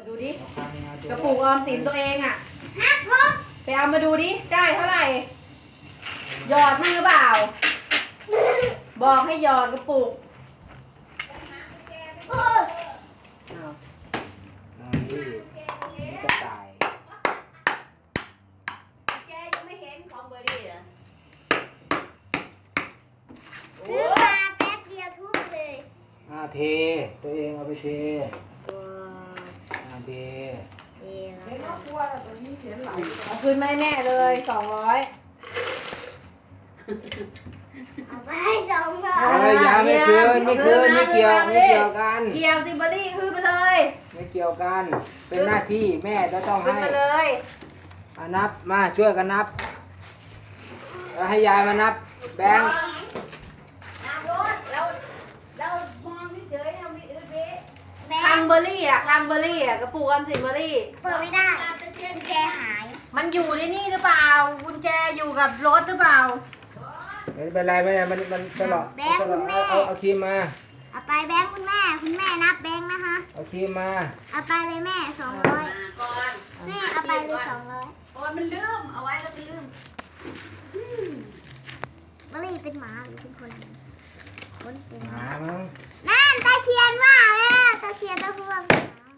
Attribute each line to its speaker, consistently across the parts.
Speaker 1: ดูดิกระปุกออมสินตัวเองอ่ะไปเอามาดูดิได้เท่าไหร่หยอดมือเปล่าบอกให้หยอดกระปุก
Speaker 2: นี่กระต่าย
Speaker 3: แกยังไม่เห็นของเบอร์ดี้เหรอ
Speaker 4: ซื้อมาแป๊บเดียวทุบเลย
Speaker 2: เทตัวเองเอาไปเทเท
Speaker 1: เอาคืนไม่แน่เลย200
Speaker 4: เอาไปให้200
Speaker 2: อย่าไม่คืนไม่เกี่ยวกัน
Speaker 1: เกี่ยวซิเบอรี่คืนไปเลย
Speaker 2: ไม่เกี่ยวกันเป็นหน้าที่แม่จะต้อง
Speaker 1: คืน
Speaker 2: ให้
Speaker 1: ไปเลย
Speaker 2: นับมาช่วยกันนับแล้วให้ยายมานับแบงค์
Speaker 3: น้ำรถเรามองเฉยๆเรามีอื่นดิ
Speaker 4: แบ
Speaker 1: คั
Speaker 4: ง
Speaker 1: ง
Speaker 4: ค์
Speaker 1: เบอรี่อ่ะคังเบอรี่อ่ะกระปุกออมสินเบอรี่
Speaker 4: เปิดไม่ได้กุญแจหาย
Speaker 1: มันอยู่ในนี่หรือเปล่ากุญแจอยู่กับรถหรือเปล่า
Speaker 2: ไม่เป็นไรมันตลอดเอาครีมมา
Speaker 4: เอาไปแบงค์คุณแม่นับแบงค์นะคะ
Speaker 2: เอาครีมมา
Speaker 4: เอาไปเลยแม่200
Speaker 3: มาก่อน
Speaker 4: แม่เอาไปเลย200
Speaker 3: โอ้ยมันลืมเอาไว้แล้วมันลืม
Speaker 4: บรี่เป็นหมาหรือเป็นคนเป็น
Speaker 2: หามั้ง
Speaker 4: นั่นตะเคียนว่าแล้วตะเคียนตะพวง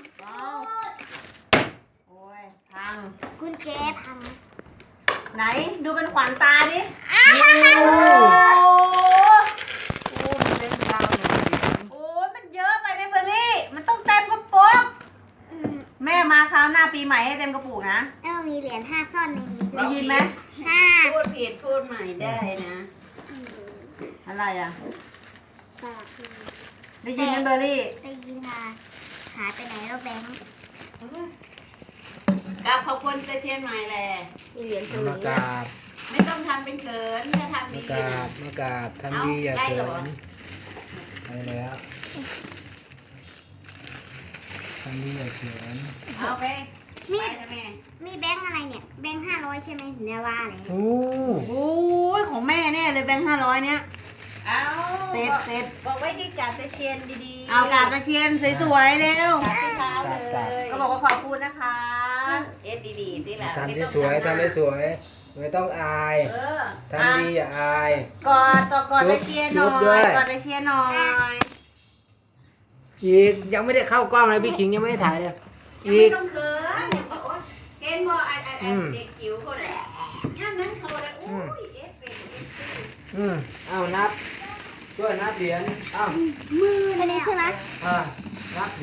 Speaker 1: โอ้ยพัง
Speaker 4: กุญแจพัง
Speaker 1: ไหนดูเป็นขวัญตาดิ
Speaker 4: อ้า
Speaker 1: โอ้
Speaker 4: ว
Speaker 1: มันเป็นดาวโอ้ยมันเยอะไปไหมเบอร์รี่มันต้องเต็มกระปุกแม่มาคราวหน้าปีใหม่ให้เต็มกระปุกนะ
Speaker 4: แล้วมีเหรียญ5ซ่อนในนี้ด้ว
Speaker 1: ได้
Speaker 4: ย
Speaker 1: ยินไหม
Speaker 3: พูดผิดพูดใหม่ได้นะ
Speaker 1: อะไรอ่ะ
Speaker 4: สลับคืน
Speaker 1: ได้ยินไหมเบอร์รี่
Speaker 4: ได้ยินค่ะหายไปไหนแล้วแบงค์
Speaker 3: กับขอบคุณตะเชียนใหม่แหละ
Speaker 1: มีเหรียญส
Speaker 2: มากราบ
Speaker 3: ไม่ต้องทำเป็นเขินถ้าทำดี
Speaker 2: มากราบทำดีอย่าเขินไปแล้วทำดีอย่าเขิน
Speaker 3: เอาไป
Speaker 4: มี
Speaker 3: ไปนะแม่
Speaker 4: มีแบงค์อะไรเนี่ยแบงค์500ใช่ไหมถึงได้ว่าเลย
Speaker 2: โอ้
Speaker 1: โอ้ยของแม่แน่เลยแบงค์500เนี้ย
Speaker 3: เอา
Speaker 1: เสร็จ
Speaker 3: บอกไว้ที่กาบตะเชียนดีๆ
Speaker 1: เอากราบตะเชียนสวยๆเร็ว
Speaker 3: กาบที่เท้าเลย
Speaker 1: ก็บอกว่าขอบคุณนะคะ
Speaker 3: เอ็ดดีๆที่หลัง
Speaker 2: ทำที่สวยไม่ต้องอาย
Speaker 3: เออ
Speaker 2: ทำดีอย่าอาย
Speaker 1: กอดตะเชียนหน่
Speaker 2: จุ๊
Speaker 1: อบ
Speaker 2: ด้วย
Speaker 1: ยกอดตะเชียนหน่อย
Speaker 2: อีกยังไม่ได้เข้ากล้องเลยพี่ขิงยังไม่ได้ถ่ายเลย
Speaker 3: ยัง
Speaker 2: อี
Speaker 3: ไม่
Speaker 2: ก
Speaker 3: ต้องเขินเดี๋ยวบอกว่าเห็นบ่ไอ้เด็กจิ๋วเขาแหละท่านนั้นเขาเลยโอ้ยเอ็ดเป็นเอ็ดเป็น
Speaker 2: เอานับช่วยนับเหรียญเอา
Speaker 4: มือเลยใช่ไหม
Speaker 2: อ่า